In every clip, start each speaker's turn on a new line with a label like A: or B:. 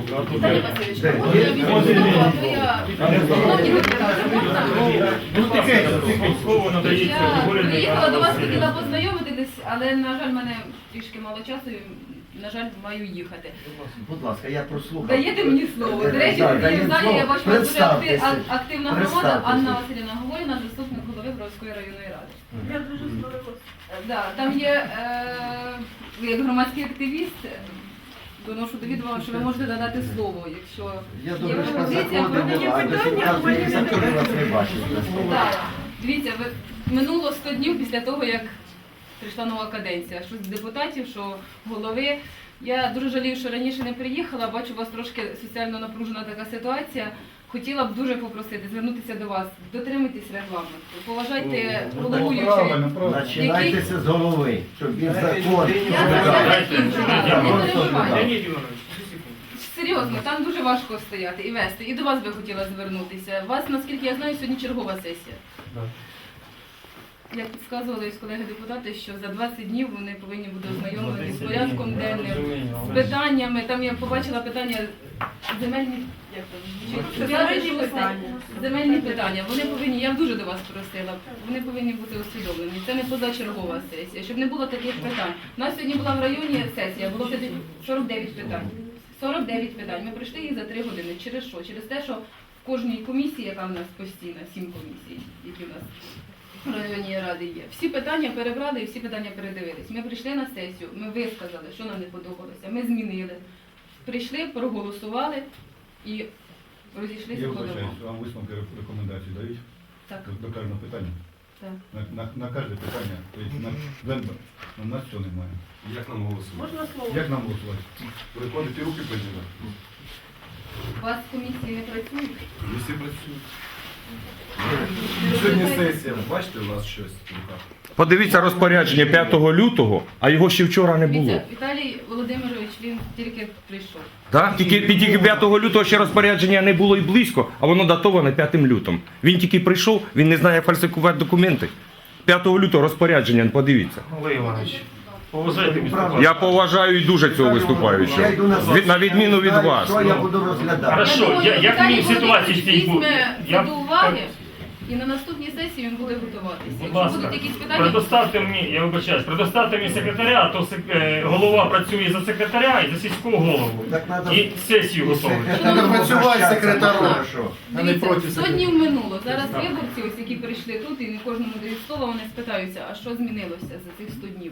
A: Віталій Васильович, можна я візьму слово, а то я... Шановні депутати, можна? Я приїхала до вас, хотіла познайомитись, але, на жаль, в мене трішки мало часу, і, на жаль, маю їхати.
B: Будь ласка, я прослухав.
A: Даєте мені слово. До речі, в залі я бачу, що дуже активна громада. Анна Василівна Говоріна, заступник голови Бровської районної ради.
C: Я дуже сподобалася.
A: Да, там є, ви як громадський активіст, доношу до відома, що ви можете надати слово, якщо
B: Я
A: є
B: думаю, що
A: пропозиція.
B: заходимо, а до сьогодні вас не бачив.
A: Так, дивіться, минуло 100 днів після того, як прийшла нова каденція. Що з депутатів, що голови. Я дуже жалію, що раніше не приїхала, бачу, у вас трошки соціально напружена така ситуація. Хотіла б дуже попросити, звернутися до вас, дотримуйтесь регламенту, поважайте головуючого.
B: Починайтеся з голови, щоб він закон.
A: Серйозно, там дуже важко стояти і вести. І до вас би хотіла звернутися. У вас, наскільки я знаю, сьогодні чергова сесія. Як підказували колеги-депутати, що за 20 днів вони повинні бути ознайомлені з порядком денним, з питаннями. Там я побачила питання земельні, як там, земельні питання. Вони повинні, я дуже до вас просила, вони повинні бути усвідомлені. Це не позачергова сесія, щоб не було таких питань. У нас сьогодні була в районі сесія, було 49 питань. 49 питань. Ми пройшли їх за 3 години. Через що? Через те, що в кожній комісії, яка в нас постійна, 7 комісій, які в нас в районній раді є. Всі питання перебрали і всі питання передивились. Ми прийшли на сесію, ми висказали, що нам не подобалося, ми змінили. Прийшли, проголосували і розійшлися
D: Я
A: по домам.
D: вибачаюсь, вам висновки рекомендації дають?
A: Так.
D: До кожного питання?
A: Так.
D: На кожне питання? Тобто на нас цього немає.
E: Як нам голосувати?
C: Можна слово?
D: Як нам голосувати?
E: Виходить і руки поділяти.
A: У вас комісії не працюють?
E: Всі працюють. Сьогодні сесія, бачите, у нас щось в руках.
F: Подивіться розпорядження 5 лютого, а його ще вчора не було.
A: Дивіться, Віталій Володимирович, він тільки прийшов.
F: Так? Тільки 5 лютого ще розпорядження не було і близько, а воно датоване 5 лютого. Він тільки прийшов, він не знає, як фальсифікувати документи. 5 лютого розпорядження, подивіться.
G: Олег Іванович, поважайте місто.
F: Я поважаю і дуже цього виступаючого.
B: Я йду на сесію,
F: На відміну від
B: знаю,
F: вас.
B: Що я буду розглядати?
G: Хорошо, як мені в ситуації
A: Віталій
G: стій був?
A: візьме це до уваги, і на наступній сесії він буде готуватися.
G: Будь
A: Якщо
G: ласка,
A: будуть якісь питання,
G: предоставте мені, я вибачаюсь, предоставте мені секретаря, то голова працює за секретаря і за сільського голову.
B: Так надо-
G: І сесію готовить.
B: Треба
E: працювати секретарем.
B: Хорошо.
A: дивіться, 100 днів минуло. Зараз виборці, ось які прийшли тут, і не кожному дають слово, вони спитаються, а що змінилося за цих 100 днів?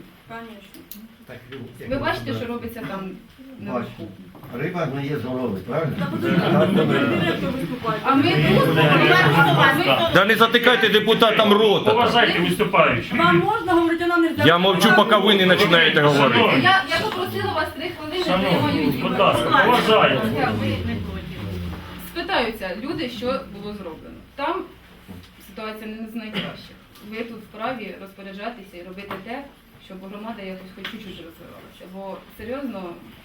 C: Звісно.
A: Ви бачите, що робиться там
B: Бачу.
A: наверху?
B: Риба не є з голови, правильно?
C: Та подивіться, директор виступає.
A: А ми тут,
F: Да не затикайте депутатам рота.
G: Поважайте виступаючих.
C: Вам можна говорити, а нам не можна?
F: Я мовчу, поки ви не починаєте говорити.
A: я попросила вас 3 хвилини, я маю
G: Шановні,
A: її.
G: будь ласка, поважайте.
A: Спитаються люди, що було зроблено. Там ситуація не з найкращих. Ви тут вправі розпоряджатися і робити те, щоб громада якось хоч чуть-чуть розвивалася. Бо серйозно,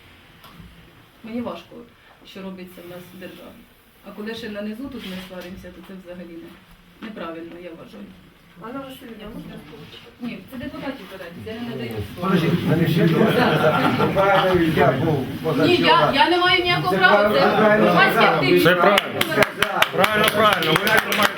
A: мені важко, що робиться в нас в державі. А коли ще на низу тут ми сваримося, то це взагалі неправильно, я вважаю.
C: Анна Васильівна, можна слово?
A: Ні, це депутатів задати, я не надаю слово.
B: Подождіть, мене ще добре. Я був
A: Ні,
B: позавчора.
A: я не маю ніякого права, це громадський активіст.
F: Це правильно. Правильно. Ви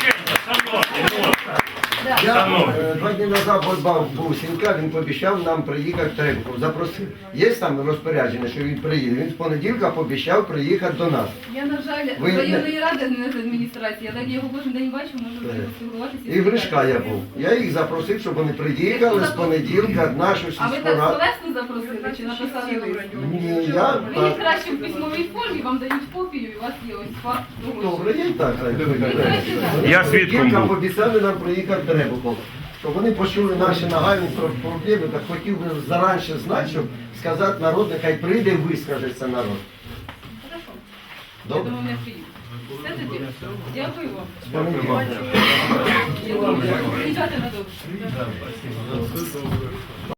B: Я 2 дні назад був Сінька, він пообіцяв нам приїхати в Требухов. Запросив. Є там розпорядження, що він приїде. Він з понеділка пообіцяв приїхати до нас.
A: Я, на жаль,
B: Ви
A: з районної ради, не з адміністрації, але я його кожен день бачу, можу поспілкуватися.
B: І в Гришка я був. Я їх запросив, щоб вони приїхали з понеділка нашу
A: А ви
B: сільську
A: так
B: раду.
A: словесно запросили чи написали лист?
B: Ні, я
A: Ви їх
B: так.
A: краще в письмовій формі, вам дають копію, і у вас є ось факт того,
B: Добре, я і так.
F: Я свідком був.
B: Пообіцяли нам приїхати в Требухов. Щоб вони почули наші нагальні проблеми, так хотів би заранше знати, щоб сказати народ, нехай прийде і вискажеться народ.
A: Хорошо. Я
B: Добре?
A: думаю, не приїду. Все тоді. Дякую вам.
B: З понеділка.
A: Я думаю, приїжджати на добре.